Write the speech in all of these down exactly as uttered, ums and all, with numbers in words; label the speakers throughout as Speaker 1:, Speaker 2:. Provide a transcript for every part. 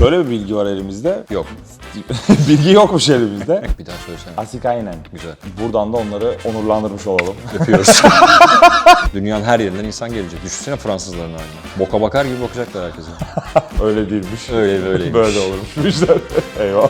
Speaker 1: Şöyle bir bilgi var elimizde.
Speaker 2: Yok.
Speaker 1: Bilgi yokmuş elimizde.
Speaker 2: Bir daha söylesene.
Speaker 1: Asikainen.
Speaker 2: Güzel.
Speaker 1: Buradan da onları onurlandırmış olalım.
Speaker 2: Öpüyoruz. Dünyanın her yerinden insan gelecek. Düşünsene Fransızların haline. Boka bakar gibi bakacaklar herkese.
Speaker 1: Öyle değilmiş.
Speaker 2: Öyle böyleymiş.
Speaker 1: Böyle olurmuş bu işler. Eyvallah.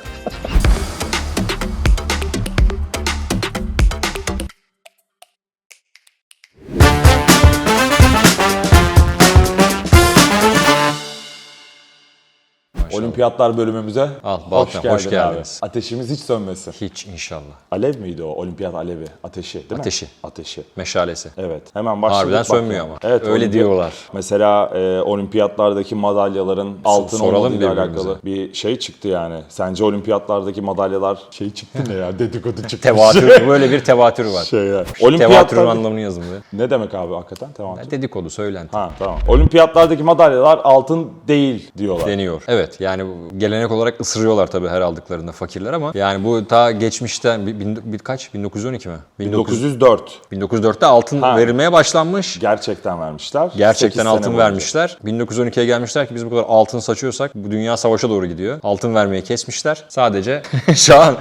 Speaker 1: Olimpiyatlar bölümümüze
Speaker 2: Al,
Speaker 1: hoş
Speaker 2: Balkan,
Speaker 1: geldin
Speaker 2: hoş geldiniz.
Speaker 1: abi. Ateşimiz hiç sönmesin.
Speaker 2: Hiç inşallah.
Speaker 1: Alev miydi o? Olimpiyat alevi. Ateşi değil mi?
Speaker 2: Ateşi.
Speaker 1: Ateşi.
Speaker 2: Meşalesi.
Speaker 1: Evet. Hemen başladık.
Speaker 2: Harbiden
Speaker 1: bak
Speaker 2: sönmüyor
Speaker 1: ya.
Speaker 2: ama.
Speaker 1: Evet,
Speaker 2: Öyle
Speaker 1: olimpiyat-
Speaker 2: diyorlar.
Speaker 1: Mesela e, olimpiyatlardaki madalyaların altın
Speaker 2: soralım
Speaker 1: olmadığıyla
Speaker 2: birbirimize.
Speaker 1: alakalı bir şey çıktı yani. Sence olimpiyatlardaki madalyalar şey çıktı ne ya? Dedikodu çıktı.
Speaker 2: Tevatür, böyle bir tevatür var.
Speaker 1: Şeyler.
Speaker 2: Tevatürün
Speaker 1: Olimpiyatlar...
Speaker 2: anlamını yazın bir.
Speaker 1: Ne demek abi hakikaten? Tevatür.
Speaker 2: Dedikodu, söylenti.
Speaker 1: Ha tamam. Olimpiyatlardaki madalyalar altın değil diyorlar.
Speaker 2: Deniyor. Evet, yani bu gelenek olarak ısırıyorlar tabii her aldıklarında fakirler ama yani bu ta geçmişten bir, bin, bir kaç? bin dokuz yüz on iki mi?
Speaker 1: bin dokuz yüz dört.
Speaker 2: bin dokuz yüz dörtte altın
Speaker 1: Ha.
Speaker 2: verilmeye başlanmış.
Speaker 1: Gerçekten vermişler.
Speaker 2: Gerçekten
Speaker 1: sekiz sene
Speaker 2: altın
Speaker 1: boyunca.
Speaker 2: vermişler. bin dokuz yüz on ikiye gelmişler ki biz bu kadar altın saçıyorsak bu dünya savaşa doğru gidiyor. Altın vermeyi kesmişler. Sadece şu an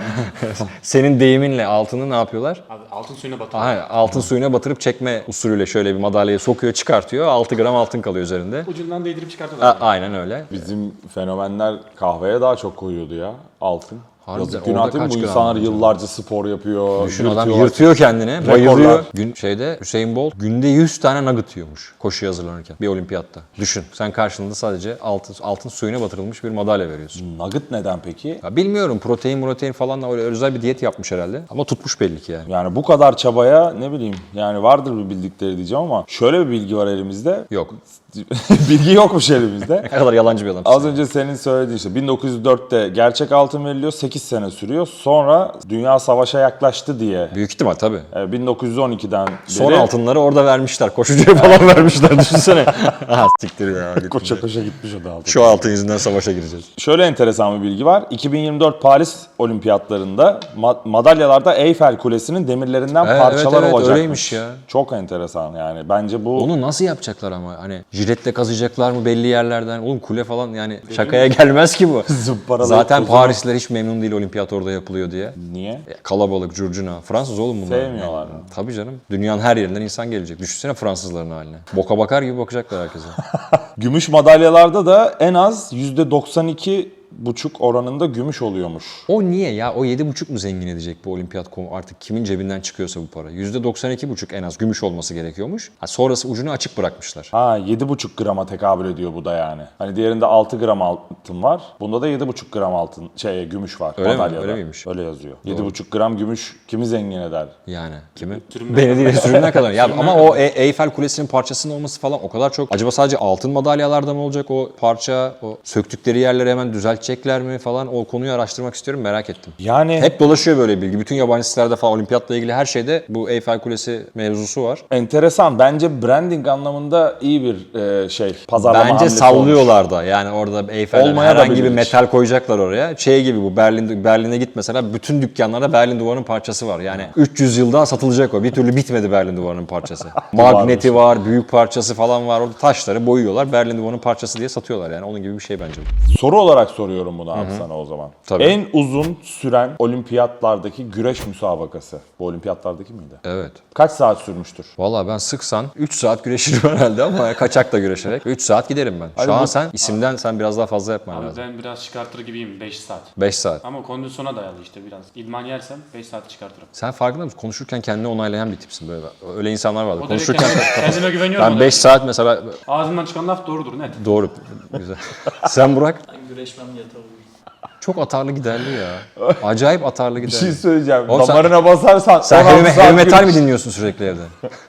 Speaker 2: senin deyiminle altını ne yapıyorlar?
Speaker 3: Abi altın suyuna batıyor.
Speaker 2: Aha, altın suyuna batırıp çekme usulüyle şöyle bir madalyayı sokuyor, çıkartıyor. altı gram altın kalıyor üzerinde.
Speaker 3: Ucundan değdirip çıkartıyorlar.
Speaker 2: A- aynen öyle.
Speaker 1: Bizim fenomenler kahveye daha çok koyuyordu ya altın.
Speaker 2: Harbiden,
Speaker 1: Yazık
Speaker 2: orada
Speaker 1: günah değil mi?
Speaker 2: kaç
Speaker 1: Bu
Speaker 2: gram
Speaker 1: insanlar
Speaker 2: acaba?
Speaker 1: yıllarca spor yapıyor.
Speaker 2: Düşün adam
Speaker 1: yırtıyorlar.
Speaker 2: yırtıyor kendine,
Speaker 1: Rekorlar.
Speaker 2: bayılıyor. Gün şeyde Hüseyin Bolt günde yüz tane nugget yiyormuş koşuya hazırlanırken bir olimpiyatta. Düşün sen karşılığında sadece altın, altın suyuna batırılmış bir madalya veriyorsun.
Speaker 1: Nugget neden peki?
Speaker 2: Ya bilmiyorum protein protein falan da öyle özel bir diyet yapmış herhalde. Ama tutmuş belli ki yani.
Speaker 1: Yani bu kadar çabaya ne bileyim yani vardır bir bildikleri diyeceğim ama şöyle bir bilgi var elimizde.
Speaker 2: Yok.
Speaker 1: Bilgi yokmuş elimizde.
Speaker 2: Ne kadar yalancı bir adam.
Speaker 1: Az önce senin söylediğin işte bin dokuz yüz dörtte gerçek altın veriliyor, sekiz sene sürüyor. Sonra dünya savaşa yaklaştı diye
Speaker 2: Büyük ihtimal tabii.
Speaker 1: e, bin dokuz yüz on ikiden beri
Speaker 2: Son altınları orada vermişler. Koşucuya falan vermişler düşünsene. Ha siktir ya. gittim.
Speaker 1: koşa koşa gitmiş o da altın.
Speaker 2: Şu altın yüzünden savaşa gireceğiz.
Speaker 1: Şöyle enteresan bir bilgi var. iki bin yirmi dört Paris Olimpiyatlarında ma- madalyalarda Eyfel Kulesi'nin demirlerinden
Speaker 2: Evet,
Speaker 1: parçalar
Speaker 2: evet, evet,
Speaker 1: olacakmış.
Speaker 2: öyleymiş ya.
Speaker 1: Çok enteresan yani. Bence bu
Speaker 2: Onu nasıl yapacaklar ama? Hani jiletle kazıyacaklar mı belli yerlerden? Oğlum kule falan yani şakaya gelmez ki bu.
Speaker 1: zımparalayıp
Speaker 2: Zaten
Speaker 1: tozunu-
Speaker 2: Parisliler hiç memnun değil olimpiyat orada yapılıyor diye.
Speaker 1: Niye?
Speaker 2: E, Kalabalık, curcuna. Fransız oğlum bunlar.
Speaker 1: Sevmiyorlar mı?
Speaker 2: Tabii canım. Dünyanın her yerinden insan gelecek. Düşünsene Fransızların haline. Boka bakar gibi bakacaklar herkese.
Speaker 1: Gümüş madalyalarda da en az yüzde doksan iki buçuk oranında gümüş oluyormuş.
Speaker 2: O niye ya? O yedi buçuk mu zengin edecek bu olimpiyat komu? Artık kimin cebinden çıkıyorsa bu para. yüzde doksan iki buçuk en az gümüş olması gerekiyormuş. Ha, sonrası ucunu açık bırakmışlar.
Speaker 1: Ha yedi buçuk grama tekabül ediyor bu da yani. Hani diğerinde altı gram altın var. Bunda da yedi buçuk gram altın şey gümüş var
Speaker 2: Öyle mi?
Speaker 1: madalyada.
Speaker 2: Öyle miymiş?
Speaker 1: Öyle yazıyor. yedi buçuk gram gümüş kimi zengin eder?
Speaker 2: Yani kimi?
Speaker 3: Sürümden
Speaker 2: Beni değil sürümden kadar. Ya
Speaker 3: Sürümden
Speaker 2: ama o E- Eyfel Kulesi'nin parçasının olması falan o kadar çok. Acaba sadece altın madalyalarda mı olacak o parça? O söktükleri yerleri hemen düzeltecekler mi falan? O konuyu araştırmak istiyorum, merak ettim.
Speaker 1: Yani
Speaker 2: Hep dolaşıyor böyle bilgi. Bütün yabancı sitelerde falan olimpiyatla ilgili her şeyde bu Eyfel Kulesi mevzusu var.
Speaker 1: enteresan. Bence branding anlamında iyi bir e, şey. Pazarlama
Speaker 2: Bence
Speaker 1: hamlesi
Speaker 2: sallıyorlar da. Yani orada Eyfel'den
Speaker 1: Olmaya da
Speaker 2: herhangi bir
Speaker 1: bilir.
Speaker 2: metal koyacaklar oraya. Şey gibi bu Berlin Berlin'e git mesela bütün dükkanlarda Berlin Duvarı'nın parçası var. Yani üç yüz yılda satılacak o. Bir türlü bitmedi Berlin Duvarı'nın parçası. Magneti var, büyük parçası falan var. Orada taşları boyuyorlar. Berlin Duvarı'nın parçası diye satıyorlar. Yani onun gibi bir şey bence bu.
Speaker 1: Soru olarak soruyorum bunu abi sana o zaman.
Speaker 2: Tabii.
Speaker 1: En uzun süren olimpiyatlardaki güreş müsabakası. Bu olimpiyatlardaki miydi?
Speaker 2: Evet.
Speaker 1: Kaç saat sürmüştür?
Speaker 2: Valla ben sıksan üç saat güreşirim herhalde ama kaçak da güreşerek. üç saat giderim ben. Şu
Speaker 1: Hadi
Speaker 2: an
Speaker 1: bu-
Speaker 2: sen isimden sen biraz daha fazla yapman
Speaker 3: Abi
Speaker 2: lazım.
Speaker 3: ben biraz çıkartır gibiyim beş saat.
Speaker 2: beş saat.
Speaker 3: Ama kondisyona dayalı işte biraz. İdman yersem beş saat çıkartırım.
Speaker 2: Sen farkında mısın? Konuşurken kendini onaylayan bir tipsin böyle. Öyle insanlar vardı.
Speaker 3: O
Speaker 2: Konuşurken
Speaker 3: derece kendime güveniyorum.
Speaker 2: ben
Speaker 3: o
Speaker 2: beş
Speaker 3: derece.
Speaker 2: saat mesela
Speaker 3: Ağzımdan çıkan laf doğrudur net.
Speaker 2: doğru. Güzel. Sen Burak
Speaker 4: Güreşmem yeter.
Speaker 2: çok atarlı giderli ya. Acayip atarlı
Speaker 1: Bir
Speaker 2: giderli.
Speaker 1: şey söyleyeceğim.
Speaker 2: Oğlum sen-
Speaker 1: Damarına basarsan
Speaker 2: Sen
Speaker 1: on altı
Speaker 2: heavy,
Speaker 1: saat
Speaker 2: heavy metal mi
Speaker 1: güreş.
Speaker 2: dinliyorsun sürekli evde?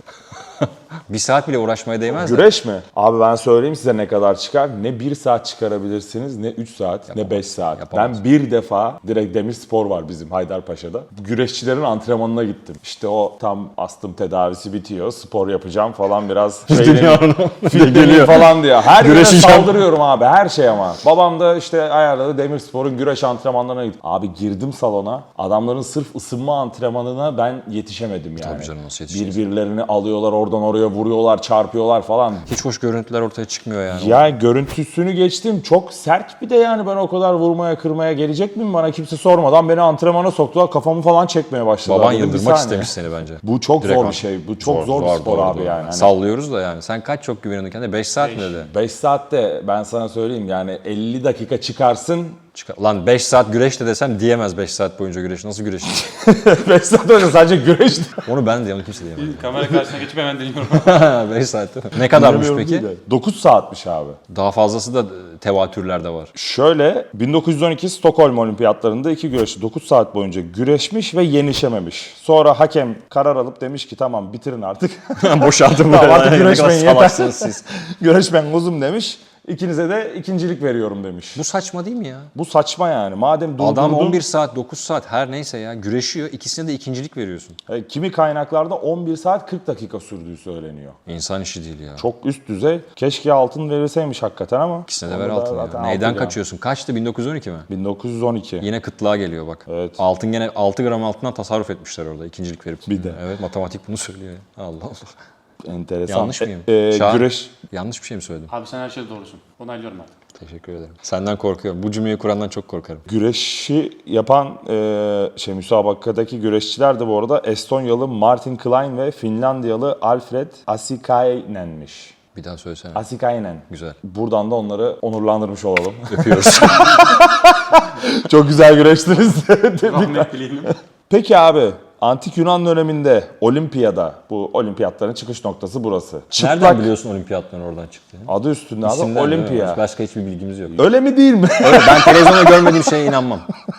Speaker 2: Bir saat bile uğraşmaya değmez de.
Speaker 1: Güreş mi? Abi ben söyleyeyim size ne kadar çıkar. Ne bir saat çıkarabilirsiniz, ne üç saat, ne beş saat.
Speaker 2: Yapamaz.
Speaker 1: Ben bir defa direkt Demirspor var bizim Haydarpaşa'da. Güreşçilerin antrenmanına gittim. İşte o tam astım tedavisi bitiyor. Spor yapacağım falan biraz. Geliyor falan diyor. Her yere
Speaker 2: Güreşeceğim.
Speaker 1: saldırıyorum abi. Her şey ama. Babam da işte ayarladı Demirspor'un güreş antrenmanlarına gittim. Abi girdim salona. Adamların sırf ısınma antrenmanına ben yetişemedim yani.
Speaker 2: Tabii canım, nasıl yetişeceksin?
Speaker 1: Birbirlerini alıyorlar oradan oraya vuruyorlar, çarpıyorlar falan.
Speaker 2: Hiç hoş görüntüler ortaya çıkmıyor yani.
Speaker 1: Ya görüntüsünü geçtim. Çok sert bir de yani ben o kadar vurmaya kırmaya gelecek miyim? Bana kimse sormadan beni antrenmana soktular. Kafamı falan çekmeye başladılar.
Speaker 2: Baban
Speaker 1: Dedim, bir
Speaker 2: yıldırmak
Speaker 1: saniye.
Speaker 2: istemiş seni bence.
Speaker 1: Bu çok
Speaker 2: Direkt
Speaker 1: zor bir
Speaker 2: an-
Speaker 1: şey. Bu çok zor, bir spor
Speaker 2: doğru,
Speaker 1: abi
Speaker 2: doğru.
Speaker 1: yani. Hani
Speaker 2: Sallıyoruz da yani. Sen kaç çok güveniyordun kendine? beş saat mi dedi?
Speaker 1: beş saatte ben sana söyleyeyim yani elli dakika çıkarsın.
Speaker 2: Çıkar. Lan beş saat güreş de desem diyemez beş saat boyunca güreş. Nasıl güreş?
Speaker 1: beş saat önce sadece güreş.
Speaker 2: Onu ben de onu kimse diyemez.
Speaker 3: Kamera karşısına geçip hemen deniyorum.
Speaker 2: beş saat değil mi? Ne kadarmış peki?
Speaker 1: dokuz saatmiş abi.
Speaker 2: Daha fazlası da tevatürlerde var.
Speaker 1: Şöyle bin dokuz yüz on iki Stockholm Olimpiyatlarında iki güreşçi dokuz saat boyunca güreşmiş ve yenişememiş. Sonra hakem karar alıp demiş ki tamam bitirin artık.
Speaker 2: Boşaldım
Speaker 1: Tamam,
Speaker 2: böyle.
Speaker 1: artık
Speaker 2: Ne kadar
Speaker 1: güreşmeyin yeter.
Speaker 2: salaksınız siz.
Speaker 1: Güreşmen kuzum demiş. İkinize de ikincilik veriyorum demiş.
Speaker 2: Bu saçma değil mi ya?
Speaker 1: Bu saçma yani. Madem durdurdun,
Speaker 2: Adam on bir saat, dokuz saat her neyse ya güreşiyor. İkisine de ikincilik veriyorsun.
Speaker 1: e, kimi kaynaklarda on bir saat kırk dakika sürdüğü söyleniyor.
Speaker 2: İnsan işi değil ya.
Speaker 1: Çok üst düzey. Keşke altın verilseymiş hakikaten ama.
Speaker 2: İkisine de
Speaker 1: onu
Speaker 2: ver
Speaker 1: da
Speaker 2: altın
Speaker 1: zaten
Speaker 2: ya. Neyden
Speaker 1: altın ya.
Speaker 2: kaçıyorsun? Kaçtı? bin dokuz yüz on iki mi?
Speaker 1: bin dokuz yüz on iki.
Speaker 2: Yine kıtlığa geliyor bak.
Speaker 1: Evet.
Speaker 2: Altın gene altı gram altından tasarruf etmişler orada ikincilik verip.
Speaker 1: Bir de.
Speaker 2: Evet, matematik bunu söylüyor ya. Allah Allah.
Speaker 1: Enteresan.
Speaker 2: Yanlış mıyım?
Speaker 1: E, e,
Speaker 2: Şahan,
Speaker 1: güreş.
Speaker 2: yanlış bir şey mi söyledim?
Speaker 3: Abi sen her şeyde doğrusun. Onaylıyorum artık.
Speaker 2: Teşekkür ederim. Senden korkuyorum. Bu cümleyi kurandan çok korkarım.
Speaker 1: Güreşi yapan e, şey müsabakadaki güreşçiler de bu arada Estonyalı Martin Klein ve Finlandiyalı Alfred Asikainen'miş.
Speaker 2: Bir daha söylesene.
Speaker 1: Asikainen.
Speaker 2: Güzel.
Speaker 1: Buradan da onları onurlandırmış olalım.
Speaker 2: Öpüyoruz.
Speaker 1: Çok güzel güreştiniz. Tebrikler.
Speaker 3: Rahmet dileyelim.
Speaker 1: Peki abi, Antik Yunan döneminde Olimpiyada, bu olimpiyatların çıkış noktası burası.
Speaker 2: Nereden
Speaker 1: Çıplak
Speaker 2: biliyorsun olimpiyatların oradan çıktığını?
Speaker 1: adı üstünde abi
Speaker 2: İsimden değil mi?
Speaker 1: Olimpiya.
Speaker 2: Başka hiçbir bilgimiz yok.
Speaker 1: Öyle mi değil mi?
Speaker 2: Öyle, ben televizyonda görmediğim şeye inanmam.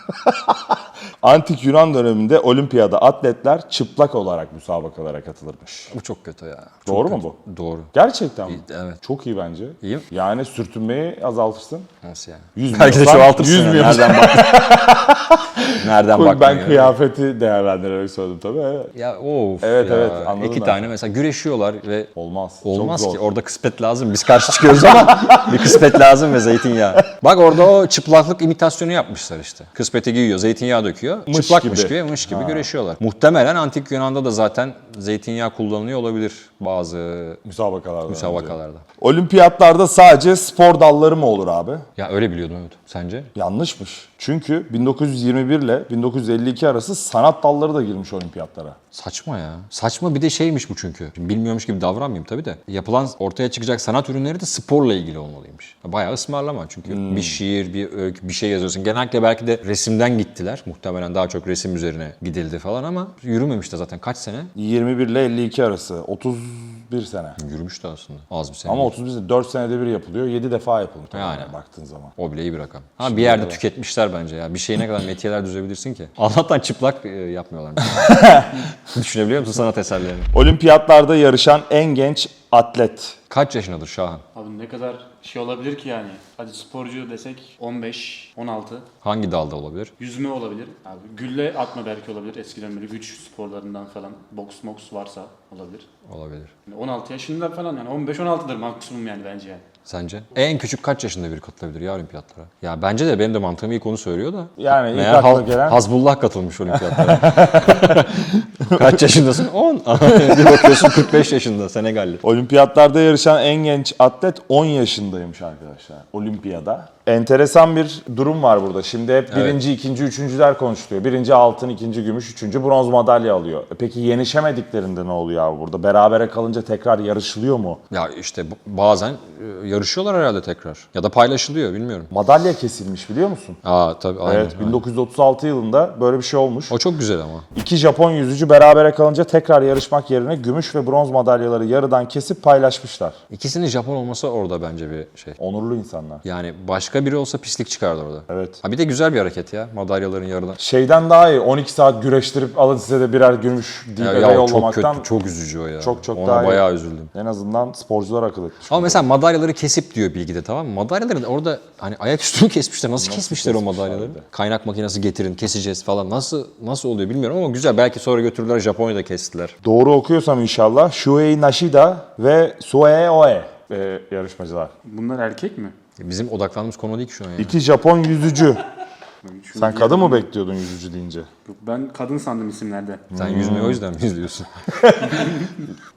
Speaker 1: Antik Yunan döneminde olimpiyada atletler çıplak olarak müsabakalara katılırmış.
Speaker 2: Bu çok kötü ya. Çok
Speaker 1: Doğru mu
Speaker 2: kötü.
Speaker 1: bu?
Speaker 2: Doğru.
Speaker 1: Gerçekten mi?
Speaker 2: Evet.
Speaker 1: Çok iyi bence.
Speaker 2: İyi mi?
Speaker 1: Yani sürtünmeyi azaltırsın.
Speaker 2: Nasıl yani?
Speaker 1: Yüz
Speaker 2: Belki de
Speaker 1: milyon-
Speaker 2: çoğaltırsın.
Speaker 1: yüz
Speaker 2: yani.
Speaker 1: milyon-
Speaker 2: Nereden bak? Nereden
Speaker 1: Ben
Speaker 2: baktın?
Speaker 1: kıyafeti değerlendirerek söyledim tabii. Evet.
Speaker 2: Ya of
Speaker 1: Evet,
Speaker 2: ya.
Speaker 1: evet, anladım
Speaker 2: İki
Speaker 1: ben.
Speaker 2: tane mesela güreşiyorlar ve
Speaker 1: Olmaz.
Speaker 2: olmaz
Speaker 1: Çok
Speaker 2: ki.
Speaker 1: zor.
Speaker 2: Orada kısmet lazım. Biz karşı çıkıyoruz ama bir kısmet lazım ve zeytinyağı. Bak orada o çıplaklık imitasyonu yapmışlar işte. Kıspeti giyiyor, zeytinyağı döküyor.
Speaker 1: Mış
Speaker 2: Çıplakmış
Speaker 1: gibi.
Speaker 2: gibi, mış gibi güreşiyorlar. Muhtemelen antik Yunan'da da zaten zeytinyağı kullanılıyor olabilir bazı
Speaker 1: Müsabakalarda.
Speaker 2: müsabakalarda.
Speaker 1: Olimpiyatlarda sadece spor dalları mı olur abi?
Speaker 2: Ya öyle biliyordum evet. Sence?
Speaker 1: Yanlışmış. Çünkü bin dokuz yüz yirmi bir ile bin dokuz yüz elli iki arası sanat dalları da girmiş olimpiyatlara.
Speaker 2: Saçma ya. Saçma bir de şeymiş bu çünkü. Şimdi bilmiyormuş gibi davranmayayım tabii de. Yapılan ortaya çıkacak sanat ürünleri de sporla ilgili olmalıymış. Bayağı ısmarlama çünkü bir şiir, bir öykü, bir şey yazıyorsun. Genellikle belki de resimden gittiler. Muhtemelen daha çok resim üzerine gidildi falan ama yürümemiş de zaten kaç sene?
Speaker 1: yirmi bir ile elli iki arası. otuz bir sene.
Speaker 2: Yürümüş de aslında. Az bir sene.
Speaker 1: Ama otuz bir sene, dört senede bir yapılıyor. yedi defa yapılıyor. tabii
Speaker 2: Yani.
Speaker 1: yani baktığın zaman.
Speaker 2: O bile iyi bir rakam. Ama bir yerde tüketmişler bence ya. Bir şeye ne kadar metiyeler düzebilirsin ki? Allah'tan çıplak e, yapmıyorlar. Düşünebiliyor musun sanat eserlerini?
Speaker 1: Olimpiyatlarda yarışan en genç atlet.
Speaker 2: Kaç yaşındadır Şahan?
Speaker 3: Abi ne kadar şey olabilir ki yani. Hadi sporcu desek on beş, on altı.
Speaker 2: Hangi dalda olabilir?
Speaker 3: Yüzme olabilir. Abi gülle atma belki olabilir. Eskiden böyle güç sporlarından falan. Boks moks varsa olabilir.
Speaker 2: Olabilir.
Speaker 3: Yani on altı yaşında falan yani on beş on altıdır maksimum yani bence yani.
Speaker 2: Sence? En küçük kaç yaşında biri katılabilir ya olimpiyatlara? Ya bence de benim de mantığım ilk onu söylüyor da.
Speaker 1: Yani ilk
Speaker 2: Meğer
Speaker 1: akla
Speaker 2: Haz-
Speaker 1: gelen-
Speaker 2: Hazbullah katılmış olimpiyatlara. Kaç yaşındasın? on. Bir bakıyorsun kırk beş yaşında Senegalli.
Speaker 1: Olimpiyatlarda yarışan en genç atlet on yaşındaymış arkadaşlar. Olimpiyada. Enteresan bir durum var burada. Şimdi hep birinci, ikinci, üçüncüler konuşuluyor. Birinci altın, ikinci gümüş, üçüncü bronz madalya alıyor. E Peki yenişemediklerinde ne oluyor abi burada? Berabere kalınca tekrar yarışılıyor mu?
Speaker 2: Ya işte bu- bazen e, yarışıyorlar herhalde tekrar. Ya da paylaşılıyor bilmiyorum.
Speaker 1: Madalya kesilmiş biliyor musun?
Speaker 2: Aa tabii aynen.
Speaker 1: Evet,
Speaker 2: aynen.
Speaker 1: bin dokuz yüz otuz altı yılında böyle bir şey olmuş.
Speaker 2: O çok güzel ama.
Speaker 1: İki Japon yüzücü berabere kalınca tekrar yarışmak yerine gümüş ve bronz madalyaları yarıdan kesip paylaşmışlar.
Speaker 2: İkisinin Japon olması orada bence bir şey.
Speaker 1: Onurlu insanlar.
Speaker 2: Yani başka biri olsa pislik çıkardı orada.
Speaker 1: Evet.
Speaker 2: Ha bir de güzel bir hareket ya. Madalyaların yarıdan.
Speaker 1: Şeyden daha iyi. on iki saat güreştirip alın size de birer gümüş deyip
Speaker 2: Ya,
Speaker 1: eve
Speaker 2: ya o çok
Speaker 1: yollamaktan
Speaker 2: kötü, çok üzücü o ya.
Speaker 1: çok çok
Speaker 2: Ona
Speaker 1: daha iyi.
Speaker 2: bayağı üzüldüm.
Speaker 1: en azından sporcular akıl etmiş.
Speaker 2: Ama mesela madalyaları kesip diyor bilgide tamam mı? Madalyaları da orada hani ayaküstü kesmişler. Nasıl, kesmişler o
Speaker 1: kesmişler
Speaker 2: madalyaları?
Speaker 1: bir de?
Speaker 2: Kaynak makinesi getirin, keseceğiz falan. Nasıl nasıl oluyor bilmiyorum ama güzel. Belki sonra götürdüler Japonya'da kestiler.
Speaker 1: Doğru okuyorsam inşallah Shuei Nashida ve Sue Oe e, yarışmacılar.
Speaker 3: Bunlar erkek mi?
Speaker 2: Bizim odaklandığımız konu değil ki şu an ya.
Speaker 1: İki Japon yüzücü.
Speaker 3: Şu
Speaker 1: Sen kadın mı bekliyordun yüzücü deyince?
Speaker 3: Yok, ben kadın sandım isimlerde.
Speaker 2: Sen yüzmeyi o yüzden mi izliyorsun?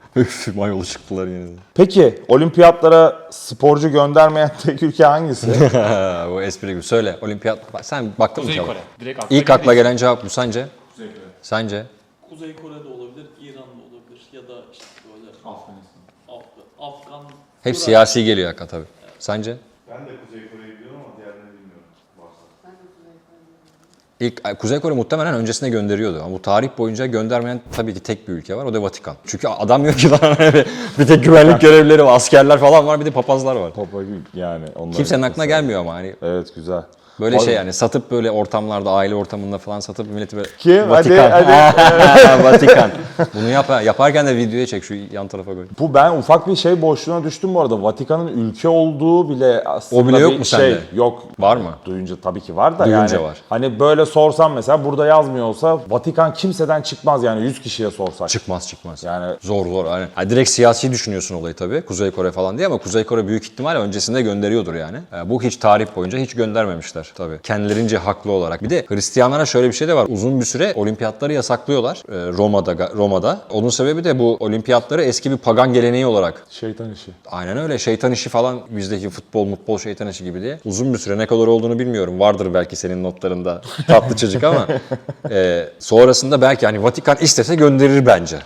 Speaker 2: Üf, mayolu çıktılar yine de.
Speaker 1: Peki olimpiyatlara sporcu göndermeyen tek ülke hangisi?
Speaker 2: Bu espri gibi. Söyle olimpiyat. Bak, sen baktın mı
Speaker 3: Kuzey
Speaker 2: cevap?
Speaker 3: Kore. Direkt akla
Speaker 2: İlk akla
Speaker 3: gelen-
Speaker 2: gelen cevap bu sence?
Speaker 3: Kuzey Kore.
Speaker 2: Sence?
Speaker 4: Kuzey Kore'de olabilir, İran'da olabilir ya da işte böyle
Speaker 3: Afganistan.
Speaker 4: Afgan, Afgan
Speaker 2: Hep
Speaker 4: Irak.
Speaker 2: siyasi geliyor hakikaten tabii. Sence?
Speaker 5: Ben de Kuzey Kore'yi biliyorum ama diğerlerini bilmiyorum. Varsa.
Speaker 2: İlk Kuzey Kore muhtemelen öncesine gönderiyordu ama bu tarih boyunca göndermeyen tabii ki tek bir ülke var, o da Vatikan. Çünkü adam yok ki lan, hani bir tek güvenlik görevlileri var, askerler falan var, bir de papazlar var.
Speaker 1: Topa yani. Onların
Speaker 2: Kimsenin aklına
Speaker 1: mesela.
Speaker 2: gelmiyor ama hani
Speaker 1: Evet güzel.
Speaker 2: böyle
Speaker 1: Var
Speaker 2: şey
Speaker 1: mı?
Speaker 2: yani satıp böyle ortamlarda, aile ortamında falan satıp milleti böyle
Speaker 1: Kim?
Speaker 2: Vatikan.
Speaker 1: Hadi, hadi.
Speaker 2: Vatikan. Bunu yap, yaparken de videoya çek, şu yan tarafa koy.
Speaker 1: Bu ben ufak bir şey boşluğuna düştüm bu arada. Vatikan'ın ülke olduğu bile aslında
Speaker 2: O bile yok
Speaker 1: bir
Speaker 2: mu
Speaker 1: şey
Speaker 2: sende?
Speaker 1: yok.
Speaker 2: Var mı?
Speaker 1: Duyunca tabii ki var da
Speaker 2: Duyunca
Speaker 1: yani.
Speaker 2: var.
Speaker 1: Hani böyle sorsam mesela burada yazmıyor olsa Vatikan kimseden çıkmaz yani yüz kişiye sorsak.
Speaker 2: Çıkmaz çıkmaz.
Speaker 1: Yani
Speaker 2: Zor zor aynen. Ha, direkt siyasi düşünüyorsun olayı tabii. Kuzey Kore falan diye ama Kuzey Kore büyük ihtimalle öncesinde gönderiyordur yani. E, bu hiç tarih boyunca hiç göndermemişler tabii. Kendilerince haklı olarak. Bir de Hristiyanlara şöyle bir şey de var. Uzun bir süre olimpiyatları yasaklıyorlar e, Roma'da Roma'da. Onun sebebi de bu olimpiyatları eski bir pagan geleneği olarak.
Speaker 1: şeytan işi.
Speaker 2: Aynen öyle. Şeytan işi falan, bizdeki futbol, mutbol şeytan işi gibi diye. Uzun bir süre, ne kadar olduğunu bilmiyorum. Vardır belki senin notlarında tatlı çocuk ama e, sonrasında belki hani Vatikan istese gönderir bence.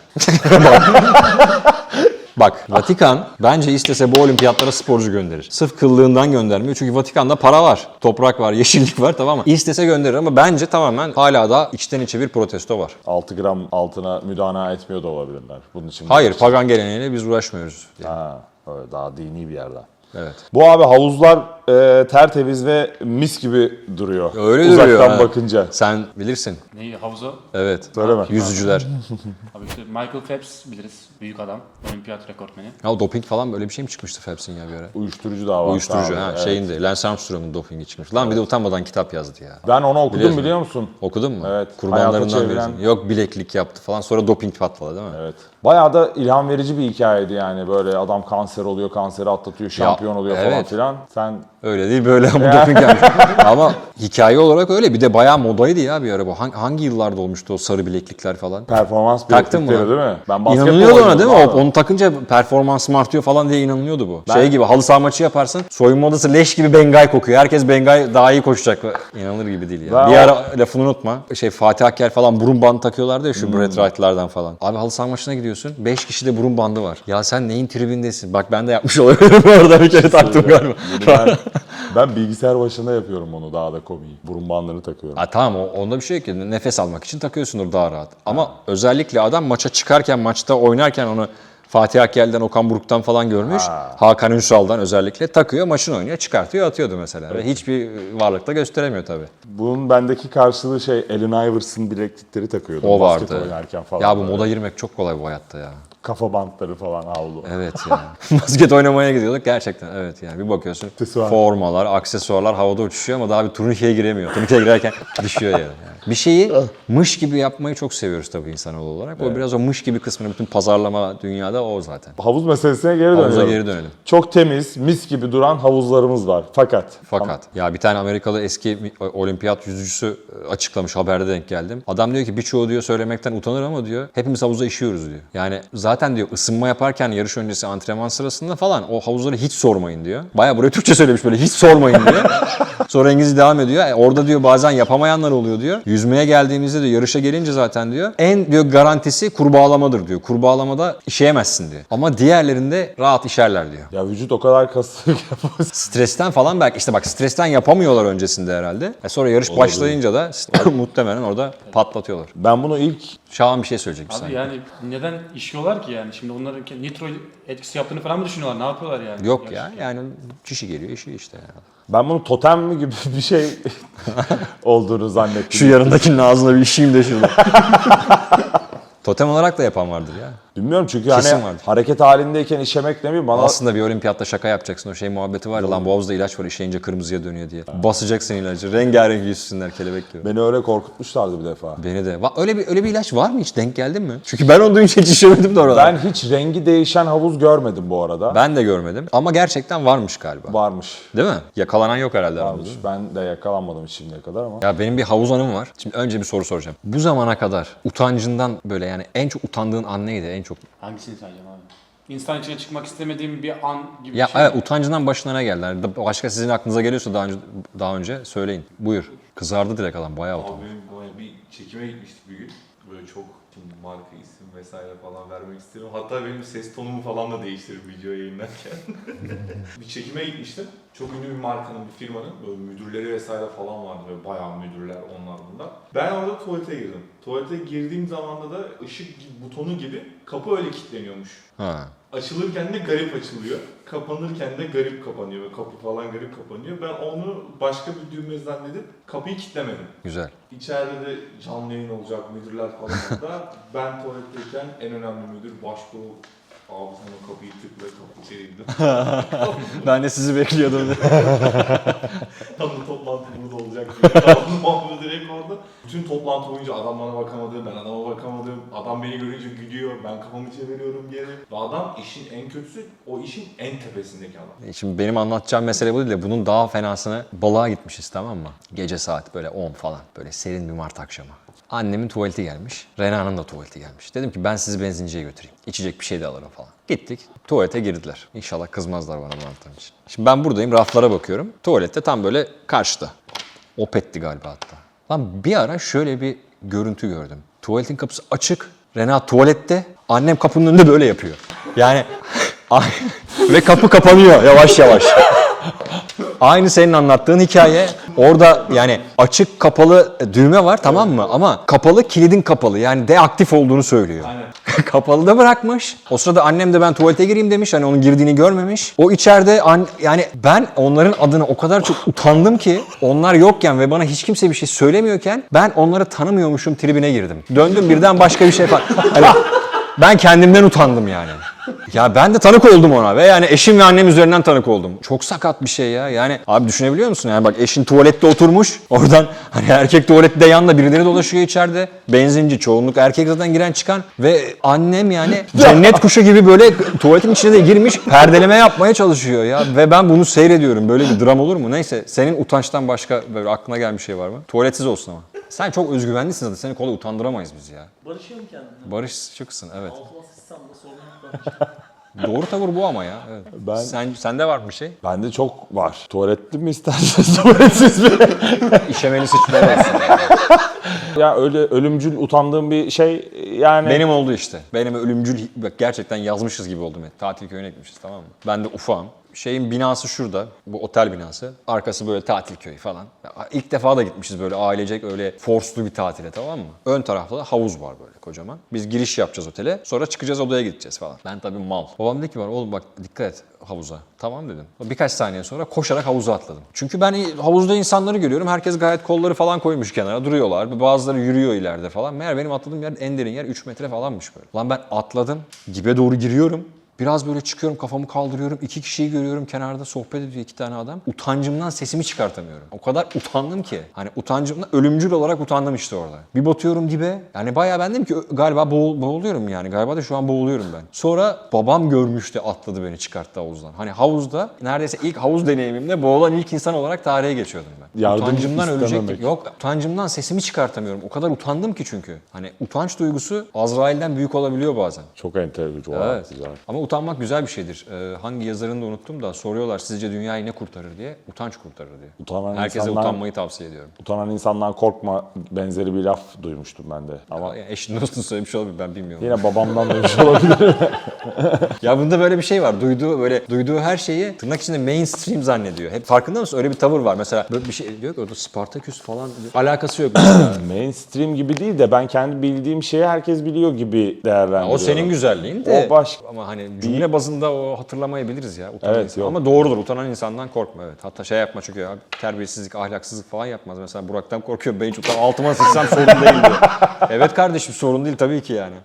Speaker 2: Bak Vatikan bence istese bu olimpiyatlara sporcu gönderir. Sırf kıllığından göndermiyor. Çünkü Vatikan'da para var, toprak var, yeşillik var, tamam mı? İstese gönderir ama bence tamamen hala da içten içe bir protesto var.
Speaker 1: altı gram altına müdana etmiyor da olabilirler. Bunun için.
Speaker 2: Hayır, pagan geleneğiyle biz uğraşmıyoruz.
Speaker 1: Ha, öyle daha dini bir yerden.
Speaker 2: Evet.
Speaker 1: Bu abi havuzlar e, tertemiz ve mis gibi duruyor.
Speaker 2: Öyle
Speaker 1: Uzaktan
Speaker 2: duruyor. ha.
Speaker 1: bakınca.
Speaker 2: Sen bilirsin.
Speaker 3: Neyi? Havuza?
Speaker 2: Evet.
Speaker 1: Söyleme.
Speaker 2: Yüzücüler.
Speaker 3: Abi işte Michael Phelps biliriz. Büyük adam. Olimpiyat rekortmeni.
Speaker 2: Ya doping falan böyle bir şey mi çıkmıştı Phelps'in ya bir ara?
Speaker 1: Uyuşturucu da var.
Speaker 2: Uyuşturucu
Speaker 1: Abi,
Speaker 2: ha
Speaker 1: evet.
Speaker 2: şeyinde. Lance Armstrong'un dopingi çıkmış. Lan bir de utanmadan kitap yazdı ya.
Speaker 1: Ben onu okudum
Speaker 2: Biliyorsun.
Speaker 1: biliyor musun?
Speaker 2: Okudun mu?
Speaker 1: Evet.
Speaker 2: Kurbanlarından
Speaker 1: Hayata çeviren-
Speaker 2: birisin. Yok bileklik yaptı falan, sonra doping patladı değil mi?
Speaker 1: Evet. Bayağı da ilham verici bir hikayeydi yani. Böyle adam kanser oluyor, kanseri atlatıyor, şampiyon oluyor falan
Speaker 2: evet.
Speaker 1: filan. Sen
Speaker 2: Öyle değil böyle ama doping yapmış. Ama hikaye olarak öyle. Bir de bayağı modaydı ya bir ara bu. Hangi, hangi yıllarda olmuştu o sarı bileklikler falan?
Speaker 1: performans
Speaker 2: Taktın mı
Speaker 1: bileklikleri
Speaker 2: lan?
Speaker 1: değil mi? Ben basketbol
Speaker 2: İnanılıyordu ona
Speaker 1: oynadım
Speaker 2: değil mi?
Speaker 1: abi.
Speaker 2: O- Onu takınca performansım artıyor falan diye inanılıyordu bu.
Speaker 1: Ben-
Speaker 2: Şey gibi halı saha maçı yaparsın. Soyunma odası leş gibi Bengay kokuyor. Herkes Bengay daha iyi koşacak. İnanılır gibi değil ya.
Speaker 1: Ben
Speaker 2: bir
Speaker 1: o-
Speaker 2: ara lafını unutma. Şey Fatih Akker falan burun bandı takıyorlardı ya şu
Speaker 1: Hmm.
Speaker 2: Brett Wright'lardan falan. Abi halı saha maçına gidiyorsun. beş kişi de burun bandı var. Ya sen neyin tribindesin? Bak ben de yapmış olabilirim bu arada, bir kere taktım galiba.
Speaker 1: ben, ben bilgisayar başında yapıyorum onu, daha da komiği. Burun bandını takıyorum.
Speaker 2: Ha tamam, o- onda bir şey yok ki. Nefes almak için takıyorsundur daha rahat. Ama özellikle adam maça çıkarken, maçta oynarken onu Fatih Akkel'den, Okan Buruk'tan falan görmüş.
Speaker 1: Ha.
Speaker 2: Hakan Ünsal'dan özellikle takıyor, maçını oynuyor, çıkartıyor, atıyordu mesela. Ve hiçbir varlıkta gösteremiyor tabii.
Speaker 1: Bunun bendeki karşılığı şey, Allen Iverson bileklikleri takıyordum.
Speaker 2: O
Speaker 1: basket
Speaker 2: vardı.
Speaker 1: oynarken falan.
Speaker 2: Ya bu
Speaker 1: böyle.
Speaker 2: moda girmek çok kolay bu hayatta ya.
Speaker 1: Kafa bantları falan havlu.
Speaker 2: Evet yani. Basket oynamaya gidiyorduk gerçekten. Evet yani bir bakıyorsun
Speaker 1: Aksesuar.
Speaker 2: formalar, aksesuarlar havada uçuşuyor ama daha bir turnikeye giremiyor. Turnikeye girerken düşüyor yere. Yani. Bir şeyi mış gibi yapmayı çok seviyoruz tabii insanoğlu olarak. O biraz o mış gibi kısmını, bütün pazarlama dünyada o zaten.
Speaker 1: Havuz meselesine geri
Speaker 2: Havuza
Speaker 1: dönüyorum.
Speaker 2: geri dönelim.
Speaker 1: Çok temiz, mis gibi duran havuzlarımız var. Fakat
Speaker 2: Fakat ya bir tane Amerikalı eski mi- olimpiyat yüzücüsü açıklamış, haberde denk geldim. Adam diyor ki birçoğu diyor söylemekten utanır ama diyor hepimiz havuza işiyoruz diyor. Yani zaten diyor ısınma yaparken yarış öncesi antrenman sırasında falan o havuzları hiç sormayın diyor. Baya buraya Türkçe söylemiş, böyle hiç sormayın diyor. Sonra İngilizce devam ediyor. E, orada diyor bazen yapamayanlar oluyor diyor. Yüzmeye geldiğimizde diyor, yarışa gelince zaten diyor en diyor garantisi kurbağalamadır diyor. Kurbağalamada işeyemezsin diyor. Ama diğerlerinde rahat işerler diyor.
Speaker 1: ya vücut o kadar kaslı yapamaz.
Speaker 2: Stresten falan belki işte bak stresten yapamıyorlar öncesinde herhalde. E sonra yarış başlayınca da muhtemelen orada patlatıyorlar.
Speaker 1: Ben bunu ilk
Speaker 2: Şahan bir şey söyleyecek bir
Speaker 3: Abi
Speaker 2: saniye.
Speaker 3: yani neden işiyorlar ki yani? Şimdi onların ke- nitro etkisi yaptığını falan mı düşünüyorlar? Ne yapıyorlar yani?
Speaker 2: Yok
Speaker 3: Yarış-
Speaker 2: ya yani kişi geliyor işi işte. Yani.
Speaker 1: ben bunu totem mi gibi bir şey olduğunu zannettim.
Speaker 2: Şu yanındakinin ağzına bir işeyim de şurada. Totem olarak da yapan vardır ya.
Speaker 1: Bilmiyorum çünkü
Speaker 2: Kesin
Speaker 1: hani
Speaker 2: vardır.
Speaker 1: hareket halindeyken işemek ne bileyim bana
Speaker 2: Aslında bir olimpiyatta şaka yapacaksın, o şey muhabbeti var ya lan bu havuzda ilaç var işeyince kırmızıya dönüyor diye. Basacaksın ilacı, rengarenk yüzsünler kelebek gibi.
Speaker 1: beni öyle korkutmuşlardı bir defa.
Speaker 2: Beni de. Va- Öyle bir öyle bir ilaç var mı hiç? Denk geldin mi? Çünkü ben onu duyunca hiç işemedim de orada.
Speaker 1: Ben hiç rengi değişen havuz görmedim bu arada.
Speaker 2: Ben de görmedim ama gerçekten varmış galiba.
Speaker 1: Varmış.
Speaker 2: Değil mi? Yakalanan yok herhalde.
Speaker 1: Varmış.
Speaker 2: aramızda.
Speaker 1: Ben de yakalanmadım şimdiye kadar ama.
Speaker 2: Ya benim bir havuz anım var. Şimdi önce bir soru soracağım. Bu zamana kadar utancından böyle yani en çok utandığın an neydi? En en çok?
Speaker 3: Hangisini sayacağım abi? İnsan içine çıkmak istemediğim bir an gibi
Speaker 2: Ya
Speaker 3: bir şey.
Speaker 2: evet, utancından başına ne geldi? Yani başka sizin aklınıza geliyorsa daha önce daha önce söyleyin. Buyur. Kızardı direkt adam, bayağı
Speaker 5: Abi
Speaker 2: utandı.
Speaker 5: benim böyle bir çekime gitmiştik bir gün. Böyle çok şimdi marka isim vesaire falan vermek istiyorum. Hatta benim ses tonumu falan da değiştirip video yayınlarken. Bir çekime gitmiştim. Çok ünlü bir markanın, bir firmanın böyle müdürleri vesaire falan vardı. Böyle bayağı müdürler, onlar bunlar. Ben orada tuvalete girdim. Tuvalete girdiğim zamanda da ışık butonu gibi kapı öyle kilitleniyormuş.
Speaker 2: Ha.
Speaker 5: Açılırken de garip açılıyor. Kapanırken de garip kapanıyor. Böyle kapı falan garip kapanıyor. Ben onu başka bir düğme zannedip kapıyı kilitlemedim.
Speaker 2: Güzel.
Speaker 5: İçeride de canlı yayın olacak, müdürler falan orada. Ben tuvaletteyken en önemli müdür başka o. Abi sana kapıyı tıkla, kapı içeriydi.
Speaker 2: Ben de sizi bekliyordum.
Speaker 5: Tam da toplantı burada olacak diye. Tamam, Mahmut direkt orada. Bütün toplantı boyunca adam bana bakamadı, ben adama bakamadım. Adam beni görünce gülüyor, ben kafamı çeviriyorum geri. Ve adam işin en kötüsü, o işin en tepesindeki adam.
Speaker 2: Şimdi benim anlatacağım mesele bu değil de bunun daha fenasını, balığa gitmişiz, tamam mı? Gece saat böyle on falan, böyle serin bir Mart akşamı. Annemin tuvaleti gelmiş, Rena'nın da tuvaleti gelmiş. Dedim ki ben sizi benzinciye götüreyim. İçecek bir şey de alırım falan. Gittik, tuvalete girdiler. İnşallah kızmazlar bana bu anlattığım için. Şimdi ben buradayım, raflara bakıyorum. Tuvalette tam böyle karşıda. Opet'ti galiba hatta. Lan bir ara şöyle bir görüntü gördüm. Tuvaletin kapısı açık, Rena tuvalette, annem kapının önünde böyle yapıyor. Yani ve kapı kapanıyor yavaş yavaş. Aynı senin anlattığın hikaye. Orada yani açık kapalı düğme var, tamam mı? Ama kapalı, kilidin kapalı. Yani deaktif olduğunu söylüyor.
Speaker 5: Aynen.
Speaker 2: Kapalı da bırakmış. O sırada annem de ben tuvalete gireyim demiş. Hani onun girdiğini görmemiş. O içeride an, yani ben onların adına o kadar çok utandım ki onlar yokken ve bana hiç kimse bir şey söylemiyorken ben onları tanımıyormuşum tribine girdim. Döndüm birden başka bir şey falan. Hani ben kendimden utandım yani. Ya ben de tanık oldum ona ve yani eşim ve annem üzerinden tanık oldum. Çok sakat bir şey ya. Yani abi düşünebiliyor musun? Yani bak eşin tuvalette oturmuş. Oradan hani erkek tuvalette yanında birileri dolaşıyor içeride. Benzinci, çoğunluk erkek zaten giren çıkan. Ve annem yani cennet kuşu gibi böyle tuvaletin içine de girmiş. Perdeleme yapmaya çalışıyor ya. Ve ben bunu seyrediyorum. Böyle bir dram olur mu? Neyse, senin utançtan başka böyle aklına gelen bir şey var mı? Tuvaletsiz olsun ama. Sen çok özgüvenlisin zaten. Seni kolay utandıramayız biz ya.
Speaker 4: Barışıyorum kendimle.
Speaker 2: Barışçıksın, evet.
Speaker 4: Altıma sıçsam da sorun yok bence.
Speaker 2: Doğru tavır bu ama ya. Evet.
Speaker 1: Ben-
Speaker 2: Sen, sende var mı bir şey?
Speaker 1: Bende çok var. Tuvaletli mi isterseniz tuvaletsiz mi?
Speaker 2: İşemeli sıçmalar olsun.
Speaker 1: Ya öyle ölümcül utandığım bir şey yani.
Speaker 2: Benim oldu işte. Benim ölümcül, bak gerçekten yazmışız gibi oldum. Yani. Tatil köyüne gitmişiz, tamam mı? Ben de ufağım. Şeyin binası şurada, bu otel binası. Arkası böyle tatil köyü falan. Ya İlk defa da gitmişiz böyle ailecek öyle forslu bir tatile, tamam mı? Ön tarafta da havuz var böyle kocaman. Biz giriş yapacağız otele, sonra çıkacağız odaya gideceğiz falan. Ben tabii mal. Babam dedi ki bana, oğlum bak dikkat et havuza. Tamam dedim. Birkaç saniye sonra koşarak havuza atladım. Çünkü ben havuzda insanları görüyorum. Herkes gayet kolları falan koymuş kenara duruyorlar. Bazıları yürüyor ileride falan. Meğer benim atladığım yer en derin yer üç metre falanmış böyle. Lan ben atladım. Dibe doğru giriyorum. Biraz böyle çıkıyorum, kafamı kaldırıyorum. İki kişiyi görüyorum kenarda, sohbet ediyor iki tane adam. Utancımdan sesimi çıkartamıyorum. O kadar utandım ki. Hani utancımdan ölümcül olarak utandım işte orada. Bir batıyorum dibe. Yani bayağı ben dedim ki galiba boğul, boğuluyorum yani. Galiba da şu an boğuluyorum ben. Sonra babam görmüştü, atladı beni, çıkarttı havuzdan. Hani havuzda neredeyse ilk havuz deneyimimde boğulan ilk insan olarak tarihe geçiyordum ben.
Speaker 1: Yardım
Speaker 2: Utancımdan
Speaker 1: istememek.
Speaker 2: ölecektim. Yok, utancımdan sesimi çıkartamıyorum. O kadar utandım ki çünkü. Hani utanç duygusu Azrail'den büyük olabiliyor bazen.
Speaker 1: Çok enteresan.
Speaker 2: Evet.
Speaker 1: Güzel.
Speaker 2: Ama utanmak güzel bir şeydir. Ee, hangi yazarını da unuttum da soruyorlar sizce dünyayı ne kurtarır diye. Utanç kurtarır diye.
Speaker 1: Utanan
Speaker 2: Herkese
Speaker 1: insanlar-
Speaker 2: utanmayı tavsiye ediyorum.
Speaker 1: Utanan insandan korkma benzeri bir laf duymuştum ben de. Ama
Speaker 2: Ama yani eşin dostun söylemiş olabilir, ben bilmiyorum.
Speaker 1: yine babamdan duymuş olabilir.
Speaker 2: Ya bunda böyle bir şey var. Duyduğu böyle duyduğu her şeyi tırnak içinde mainstream zannediyor. Hep farkında mısın? Öyle bir tavır var. Mesela böyle bir şey diyor ki orada Spartaküs falan diyor. Alakası yok mesela.
Speaker 1: Mainstream gibi değil de ben kendi bildiğim şeyi herkes biliyor gibi değerlendiriyorum.
Speaker 2: O senin güzelliğin de.
Speaker 1: O başka.
Speaker 2: Ama hani cümle bazında o hatırlamayabiliriz ya. Utanan
Speaker 1: Evet,
Speaker 2: insan.
Speaker 1: yok.
Speaker 2: Ama doğrudur. Utanan insandan korkma, evet. Hatta şey yapma çünkü ya, terbiyesizlik, ahlaksızlık falan yapmaz. Mesela Burak'tan korkuyor. Ben hiç utan altıma sıçsam sorun değil diyor. Evet kardeşim, sorun değil tabii ki yani.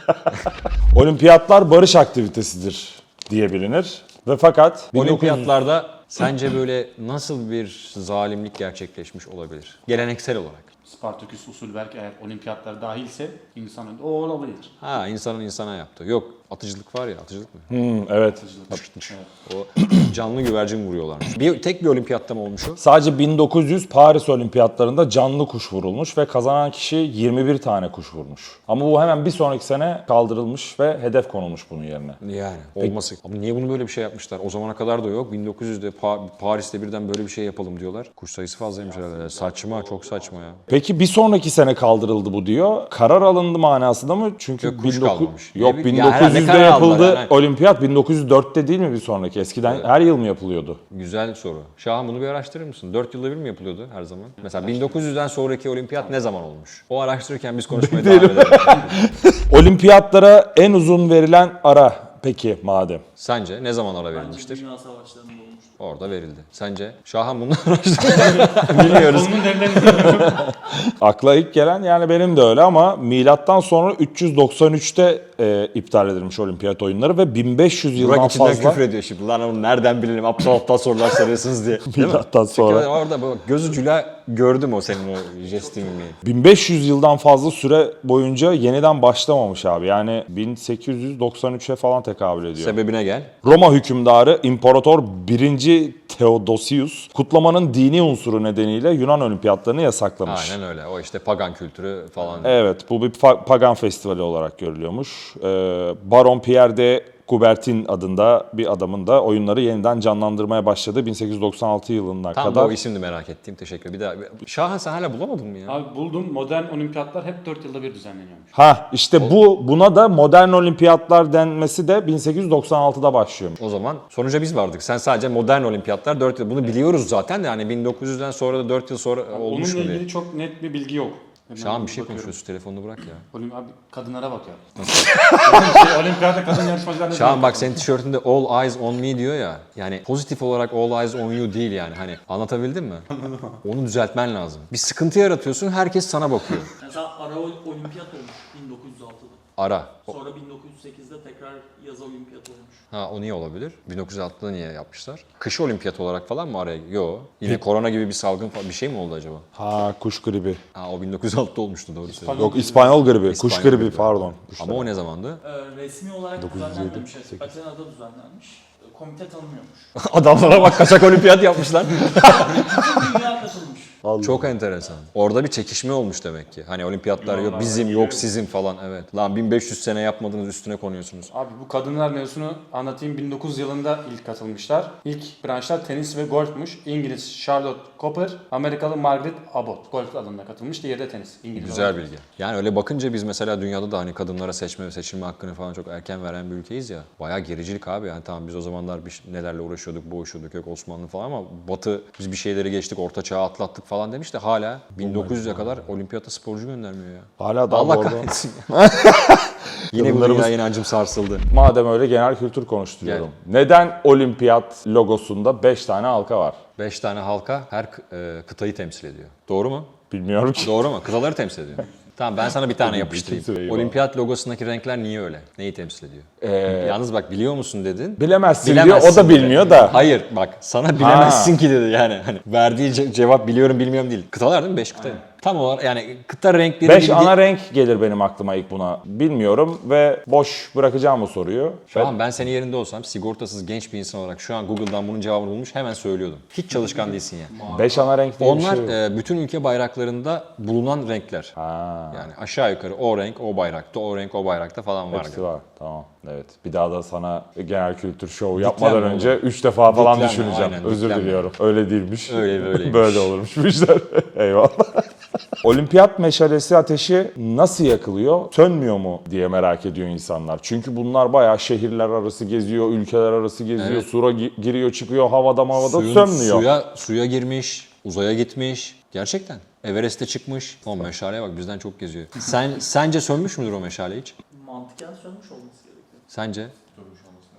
Speaker 1: Olimpiyatlar barış aktivitesidir diye bilinir. Ve fakat
Speaker 2: Olimpiyatlarda sence böyle nasıl bir zalimlik gerçekleşmiş olabilir? Geleneksel olarak.
Speaker 3: Spartaküs usul belki eğer olimpiyatlar dahilse insanın o olabilir.
Speaker 2: Ha, insanın insana yaptığı. Yok, atıcılık var ya, atıcılık mı?
Speaker 1: Hmm, evet.
Speaker 3: Evet.
Speaker 2: O canlı güvercin vuruyorlarmış. Bir, tek bir olimpiyatta mı olmuş o?
Speaker 1: Sadece bin dokuz yüz Paris Olimpiyatlarında canlı kuş vurulmuş ve kazanan kişi yirmi bir tane kuş vurmuş. Ama bu hemen bir sonraki sene kaldırılmış ve hedef konulmuş bunun yerine.
Speaker 2: Yani olması. Ama niye bunu böyle bir şey yapmışlar? O zamana kadar da yok. bin dokuz yüzde Pa- Paris'te birden böyle bir şey yapalım diyorlar. Kuş sayısı fazlaymış herhalde. Saçma, çok saçma ya.
Speaker 1: Peki bir sonraki sene kaldırıldı bu diyor. Karar alındı manasında mı? Çünkü
Speaker 2: Yok, kuş
Speaker 1: bin dokuz
Speaker 2: kalmamış.
Speaker 1: Yok
Speaker 2: Ya,
Speaker 1: bin
Speaker 2: herhalde
Speaker 1: dokuz yüzde
Speaker 2: karar aldılar
Speaker 1: yapıldı
Speaker 2: yani.
Speaker 1: olimpiyat. bin dokuz yüz dörtte değil mi bir sonraki? Eskiden her yıl mı yapılıyordu?
Speaker 2: Güzel soru. Şahan, bunu bir araştırır mısın? dört yılda bir mi yapılıyordu her zaman? Mesela bin dokuz yüzden sonraki olimpiyat ne zaman olmuş? O araştırırken biz konuşmaya devam edelim.
Speaker 1: Olimpiyatlara en uzun verilen ara peki madem.
Speaker 2: Sence ne zaman ara
Speaker 4: Bence
Speaker 2: verilmiştir?
Speaker 4: Dünya Savaşları'nda olmuştur.
Speaker 2: Orada verildi. Sence? Şahan bunu araştırır. Bilmiyoruz.
Speaker 3: Konunun derinden
Speaker 1: Akla ilk gelen yani benim de öyle ama milattan sonra üç yüz doksan üçte e, iptal edilmiş olimpiyat oyunları ve bin beş yüz yıldan
Speaker 2: Burak içinden
Speaker 1: fazla
Speaker 2: küfür ediyor şimdi. Lan onu nereden bilelim? Aptal aptal sorular soruyorsunuz diye. Değil mi?
Speaker 1: milattan
Speaker 2: Çünkü
Speaker 1: sonra.
Speaker 2: orada bak, gözücüyle gördüm o senin o jestini.
Speaker 1: bin beş yüz yıldan fazla süre boyunca yeniden başlamamış abi. Yani bin sekiz yüz doksan üçe falan tekabül ediyor.
Speaker 2: Sebebine gel.
Speaker 1: Roma hükümdarı İmparator birinci. Theodosius kutlamanın dini unsuru nedeniyle Yunan olimpiyatlarını yasaklamış.
Speaker 2: Aynen öyle. O işte pagan kültürü falan.
Speaker 1: Evet, bu bir pa- pagan festivali olarak görülüyormuş. Ee, Baron Pierre de Coubertin adında bir adamın da oyunları yeniden canlandırmaya başladığı bin sekiz yüz doksan altı yılına
Speaker 2: Tam da
Speaker 1: kadar.
Speaker 2: o isimdi, merak ettiğim. Teşekkür. Bir daha. Şahan, sen hala bulamadın mı ya?
Speaker 3: Abi buldum. Modern olimpiyatlar hep dört yılda bir düzenleniyormuş.
Speaker 1: Ha işte bu buna da modern olimpiyatlar denmesi de bin sekiz yüz doksan altıda başlıyor.
Speaker 2: O zaman sonuca biz vardık. Sen sadece modern olimpiyatlar dört yıl. Bunu biliyoruz zaten de yani bin dokuz yüzden sonra da dört yıl sonra olmuş
Speaker 3: Onunla
Speaker 2: mu diye.
Speaker 3: ilgili çok net bir bilgi yok. Hemen
Speaker 2: Şahan, bir şey
Speaker 3: bakıyorum.
Speaker 2: konuşuyorsun. Telefonunu bırak ya.
Speaker 3: Olim abi kadınlara bak ya. şey, olimpiyata kadın yarışmacılarına
Speaker 2: Şahan bak, senin tişörtünde all eyes on me diyor ya. Yani pozitif olarak all eyes on you değil yani. Hani anlatabildim mi? Onu düzeltmen lazım. Bir sıkıntı yaratıyorsun, herkes sana bakıyor.
Speaker 4: Mesela ara ol- olimpiyat olmuş bin dokuz yüz altıda.
Speaker 2: Ara.
Speaker 4: Sonra bin dokuz yüz sekizde tekrar yaz olimpiyat olmuş.
Speaker 2: Ha, o niye olabilir? bin dokuz yüz altıda niye yapmışlar? Kış olimpiyat olarak falan mı araya? Yo. Yine korona gibi bir salgın falan bir şey mi oldu acaba?
Speaker 1: Ha kuş gribi.
Speaker 2: Ha, o bin dokuz yüz altıda olmuştu, doğru söylüyorsun.
Speaker 1: Yok İspanyol gribi, kuş
Speaker 2: İspanyol
Speaker 1: gribi
Speaker 2: gribi.
Speaker 1: pardon.
Speaker 2: Ama o ne zamandı?
Speaker 4: Ee, resmi olarak düzenlenmemiş. Atina'da düzenlenmiş. Ee, Komite tanımıyormuş.
Speaker 2: Adamlara bak, kaçak olimpiyat yapmışlar.
Speaker 4: Dünya katılmış.
Speaker 2: Çok enteresan. Orada bir çekişme olmuş demek ki. Hani olimpiyatlar yok bizim yok sizin falan, evet. Lan bin beş yüz sene yapmadınız, üstüne konuyorsunuz.
Speaker 3: Abi bu kadınlar mevzusunu anlatayım. bin dokuz yüz yılında ilk katılmışlar. İlk branşlar tenis ve golfmuş. İngiliz Charlotte Cooper, Amerikalı Margaret Abbott. Golf alanına katılmış. Diğeri de tenis. İngiliz
Speaker 2: Güzel
Speaker 3: olan.
Speaker 2: bilgi. Yani öyle bakınca biz mesela dünyada da hani kadınlara seçme ve seçilme hakkını falan çok erken veren bir ülkeyiz ya. Bayağı gericilik abi. Yani tamam, biz o zamanlar bir, nelerle uğraşıyorduk, boğuşuyorduk, yok Osmanlı falan, ama Batı biz bir şeyleri geçtik, orta çağı atlattık falan demiş de hala bin dokuz yüze kadar olimpiyata sporcu göndermiyor ya.
Speaker 1: Hala daha
Speaker 2: Allah
Speaker 1: bu arada.
Speaker 2: kahretsin. Yine bu
Speaker 1: Kadınlarımız-
Speaker 2: dünya inancım sarsıldı.
Speaker 1: Madem öyle genel kültür konuşturuyorum. Neden olimpiyat logosunda beş tane halka var?
Speaker 2: Beş tane halka her kı- e, kıtayı temsil ediyor. Doğru mu?
Speaker 1: Bilmiyorum ki.
Speaker 2: Doğru mu? Kıtaları temsil ediyor. Tamam, ben sana bir tane yapıştırayım.
Speaker 1: Bütün süreyi
Speaker 2: Olimpiyat logosundaki renkler niye öyle? Neyi temsil ediyor?
Speaker 1: Ee,
Speaker 2: Yalnız bak, biliyor musun dedin.
Speaker 1: bilemezsin,
Speaker 2: Bilemezsin
Speaker 1: diyor. O da
Speaker 2: dedi.
Speaker 1: bilmiyor da.
Speaker 2: Hayır bak, sana bilemezsin ki dedi yani. Hani verdiği ce- cevap biliyorum bilmiyorum değil. Kıtalar değil mi? Beş kıta. Tam olarak yani kıta renkleri
Speaker 1: Beş
Speaker 2: bildi-
Speaker 1: ana renk gelir benim aklıma ilk buna. Bilmiyorum ve boş bırakacağım bu soruyu.
Speaker 2: Şu an ben senin yerinde olsam, sigortasız genç bir insan olarak şu an Google'dan bunun cevabını bulmuş hemen söylüyordum. Hiç çalışkan değilsin yani.
Speaker 1: Beş ana renk diye bir
Speaker 2: Onlar
Speaker 1: şey yok.
Speaker 2: e, bütün ülke bayraklarında bulunan renkler.
Speaker 1: Ha,
Speaker 2: Yani aşağı yukarı o renk o bayrakta, o renk o bayrakta falan var.
Speaker 1: hepsi var. Tamam. Evet. Bir daha da sana genel kültür şovu yapmadan
Speaker 2: Diklenme
Speaker 1: önce
Speaker 2: oğlum.
Speaker 1: üç defa falan
Speaker 2: Diklenme,
Speaker 1: düşüneceğim.
Speaker 2: aynen,
Speaker 1: Özür
Speaker 2: diklenme.
Speaker 1: diliyorum. Öyle değilmiş.
Speaker 2: Öyle böyleymiş.
Speaker 1: Böyle olurmuş bu işler. Eyvallah. Olimpiyat meşalesi ateşi nasıl yakılıyor? Sönmüyor mu diye merak ediyor insanlar. Çünkü bunlar bayağı şehirler arası geziyor, ülkeler arası geziyor,
Speaker 2: Evet.
Speaker 1: sura gi- giriyor çıkıyor, havada havada
Speaker 2: Suyun-
Speaker 1: sönmüyor.
Speaker 2: Suya, suya girmiş, uzaya gitmiş. Gerçekten. Everest'e çıkmış. O meşaleye bak, bizden çok geziyor. Sen Sence sönmüş müdür o meşale hiç?
Speaker 4: Mantıken sönmüş olması gerekiyor.
Speaker 2: Sence?
Speaker 5: Sönmüş olması lazım.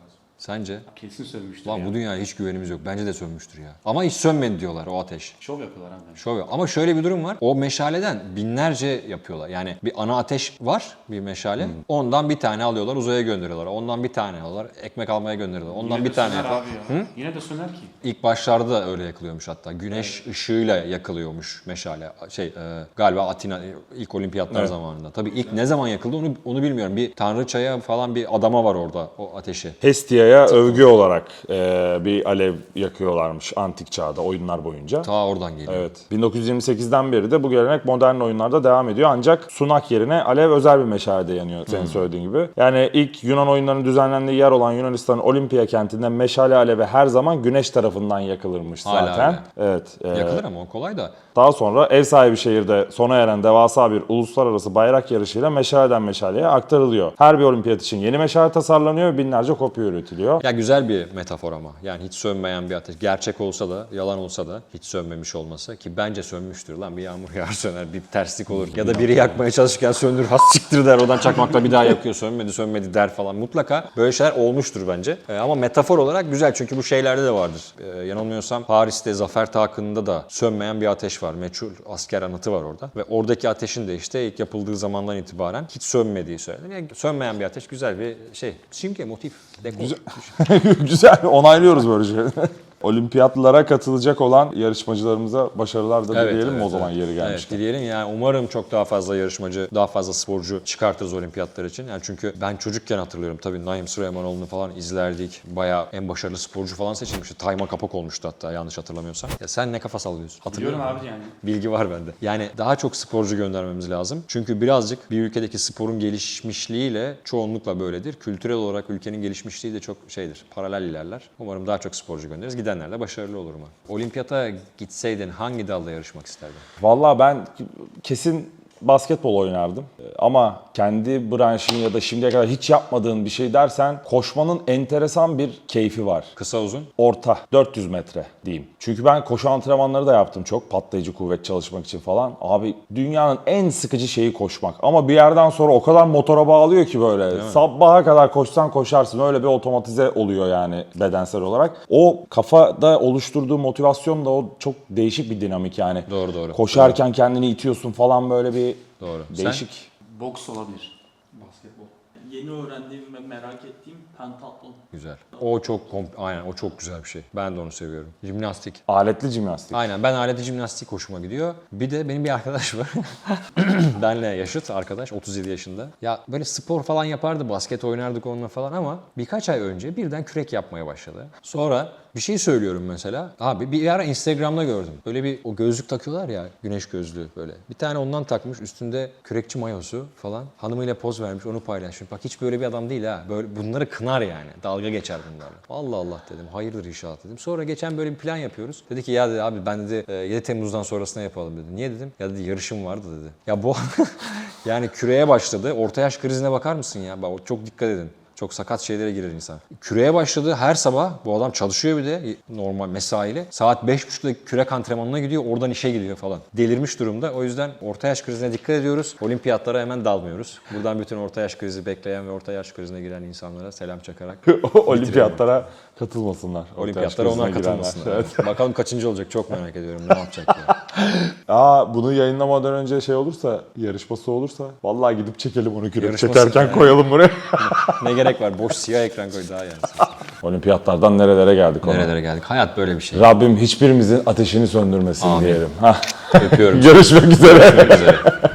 Speaker 2: Sence?
Speaker 3: Kesin sövmüştür
Speaker 2: Lan
Speaker 3: ya.
Speaker 2: bu dünyaya hiç güvenimiz yok. Bence de sönmüştür ya. Ama hiç sönmedi diyorlar o ateş.
Speaker 3: Şov yapıyorlar abi.
Speaker 2: Şov yok. Ama şöyle bir durum var. O meşaleden binlerce yapıyorlar. Yani bir ana ateş var, bir meşale. Ondan bir tane alıyorlar, uzaya gönderiyorlar. Ondan bir tane alıyorlar, ekmek almaya gönderiyorlar. Ondan
Speaker 3: Yine
Speaker 2: bir
Speaker 3: de
Speaker 2: tane
Speaker 3: söner
Speaker 2: yapar.
Speaker 3: abi ya. Yine de söner ki.
Speaker 2: İlk başlarda da öyle yakılıyormuş hatta. Güneş ışığıyla yakılıyormuş meşale. Şey e, galiba Atina ilk olimpiyatlar
Speaker 1: Evet.
Speaker 2: zamanında. Tabii ilk ne zaman yakıldı onu onu bilmiyorum. Bir tanrıçaya falan bir adama var orada o ateşi.
Speaker 1: Hestia'ya övgü olarak e, bir alev yakıyorlarmış antik çağda oyunlar boyunca.
Speaker 2: Ta oradan geliyor.
Speaker 1: Evet. bin dokuz yüz yirmi sekizden beri de bu gelenek modern oyunlarda devam ediyor. Ancak sunak yerine alev özel bir meşalede yanıyor senin söylediğin gibi. Yani ilk Yunan oyunlarının düzenlendiği yer olan Yunanistan'ın Olimpiya kentinde meşale alevi her zaman güneş tarafından yakılırmış
Speaker 2: Hala
Speaker 1: zaten.
Speaker 2: öyle.
Speaker 1: Evet. e,
Speaker 2: Yakılır ama o kolay da.
Speaker 1: Daha sonra ev sahibi şehirde sona eren devasa bir uluslararası bayrak yarışıyla meşaleden meşaleye aktarılıyor. Her bir olimpiyat için yeni meşale tasarlanıyor ve binlerce kopya üretiliyor.
Speaker 2: Ya güzel bir metafor ama. Yani hiç sönmeyen bir ateş. Gerçek olsa da, yalan olsa da hiç sönmemiş olması ki bence sönmüştür lan. Bir yağmur yağar söner, bir terslik olur. Ya da biri yakmaya çalışırken söndür, has siktir der. Oradan çakmakla bir daha yakıyor. Sönmedi, sönmedi der falan. Mutlaka böyle şeyler olmuştur bence. Ee, ama metafor olarak güzel çünkü bu şeylerde de vardır. Ee, yanılmıyorsam Paris'te Zafer Takı'nda da sönmeyen bir ateş var. Meçhul asker anıtı var orada. Ve oradaki ateşin de işte ilk yapıldığı zamandan itibaren hiç sönmediği söylenir. Yani sönmeyen bir ateş güzel bir şey. Simge, motif, dekor.
Speaker 1: Güzel. Güzel, onaylıyoruz böyle şeyleri. Olimpiyatlara katılacak olan yarışmacılarımıza başarılar da
Speaker 2: Evet,
Speaker 1: dileyelim mi
Speaker 2: evet,
Speaker 1: o zaman
Speaker 2: evet.
Speaker 1: yeri
Speaker 2: Evet,
Speaker 1: gelmişken?
Speaker 2: dileyelim yani umarım çok daha fazla yarışmacı, daha fazla sporcu çıkartırız olimpiyatlar için. Yani çünkü ben çocukken hatırlıyorum tabii Naim Süleymanoğlu'nu falan izlerdik. Bayağı en başarılı sporcu falan seçilmişti. Tayma Kapak olmuştu hatta yanlış hatırlamıyorsam. Ya sen ne kafa sallıyorsun? Hatırlıyorum.
Speaker 3: Biliyorum abi yani.
Speaker 2: Bilgi var bende. Yani daha çok sporcu göndermemiz lazım. Çünkü birazcık bir ülkedeki sporun gelişmişliğiyle çoğunlukla böyledir. Kültürel olarak ülkenin gelişmişliği de çok şeydir. Paralel ilerler. Umarım daha çok sporcu göndeririz. Gidenler de başarılı olur mu? Olimpiyata gitseydin hangi dalda yarışmak isterdin?
Speaker 1: Vallahi ben kesin basketbol oynardım. Ama kendi branşın ya da şimdiye kadar hiç yapmadığın bir şey dersen koşmanın enteresan bir keyfi var.
Speaker 2: Kısa uzun?
Speaker 1: Orta, dört yüz metre diyeyim. Çünkü ben koşu antrenmanları da yaptım çok patlayıcı kuvvet çalışmak için falan. Abi dünyanın en sıkıcı şeyi koşmak. Ama bir yerden sonra o kadar motora bağlıyor ki böyle. Sabaha kadar koşsan koşarsın. Öyle bir otomatize oluyor yani bedensel olarak. O kafada oluşturduğu motivasyon da o çok değişik bir dinamik yani.
Speaker 2: Doğru doğru.
Speaker 1: Koşarken kendini itiyorsun falan böyle bir
Speaker 2: Doğru.
Speaker 1: değişik.
Speaker 3: Boks olabilir.
Speaker 4: Basketbol. Yeni öğrendiğim ve merak ettiğim pentatlon.
Speaker 2: Güzel. O çok kom- aynen o çok güzel bir şey. Ben de onu seviyorum. Jimnastik.
Speaker 1: Aletli jimnastik.
Speaker 2: Aynen ben aletli jimnastik hoşuma gidiyor. Bir de benim bir arkadaş var. Benle yaşıt arkadaş otuz yedi yaşında. Ya böyle spor falan yapardı, basket oynardık onunla falan ama birkaç ay önce birden kürek yapmaya başladı. Sonra bir şey söylüyorum mesela. Abi bir ara Instagram'da gördüm. Böyle bir o gözlük takıyorlar ya, güneş gözlüğü böyle. Bir tane ondan takmış, üstünde kürekçi mayosu falan. Hanımıyla poz vermiş, onu paylaşmış. Bak hiç böyle bir adam değil ha. Böyle bunları kınar yani. Dalga geçer bunlarla. Allah Allah dedim. Hayırdır inşallah dedim. Sonra geçen böyle bir plan yapıyoruz. Dedi ki ya dedi abi ben dedi yedi Temmuz'dan sonrasına yapalım dedi. Niye dedim? Ya dedi yarışım vardı dedi. Ya bu yani küreğe başladı. Orta yaş krizine bakar mısın ya? Bak çok dikkat edin. Çok sakat şeylere girer insan. Küreğe başladı her sabah. Bu adam çalışıyor bir de normal mesaiyle. Saat beş buçukta kürek antrenmanına gidiyor. Oradan işe gidiyor falan. Delirmiş durumda. O yüzden orta yaş krizine dikkat ediyoruz. Olimpiyatlara hemen dalmıyoruz. Buradan bütün orta yaş krizi bekleyen ve orta yaş krizine giren insanlara selam çakarak
Speaker 1: Olimpiyatlara katılmasınlar.
Speaker 2: olimpiyatlara
Speaker 1: Orta yaş
Speaker 2: onlar
Speaker 1: krizine girenler.
Speaker 2: katılmasınlar.
Speaker 1: Evet.
Speaker 2: Bakalım kaçıncı olacak çok merak ediyorum. Ne yapacak ya.
Speaker 1: Aa bunu yayınlamadan önce şey olursa, yarışması olursa vallahi gidip çekelim onu kürek
Speaker 2: Yarışması,
Speaker 1: çekerken
Speaker 2: evet.
Speaker 1: koyalım buraya.
Speaker 2: Ne gerek var? Boş siyah ekran koy daha yani.
Speaker 1: Olimpiyatlardan nerelere geldik ona.
Speaker 2: Nerelere geldik? Hayat böyle bir şey.
Speaker 1: Rabbim hiçbirimizin ateşini söndürmesin
Speaker 2: Amin.
Speaker 1: diyelim. Hah.
Speaker 2: Öpüyorum.
Speaker 1: Görüşmek üzere.
Speaker 2: Görüşmek üzere.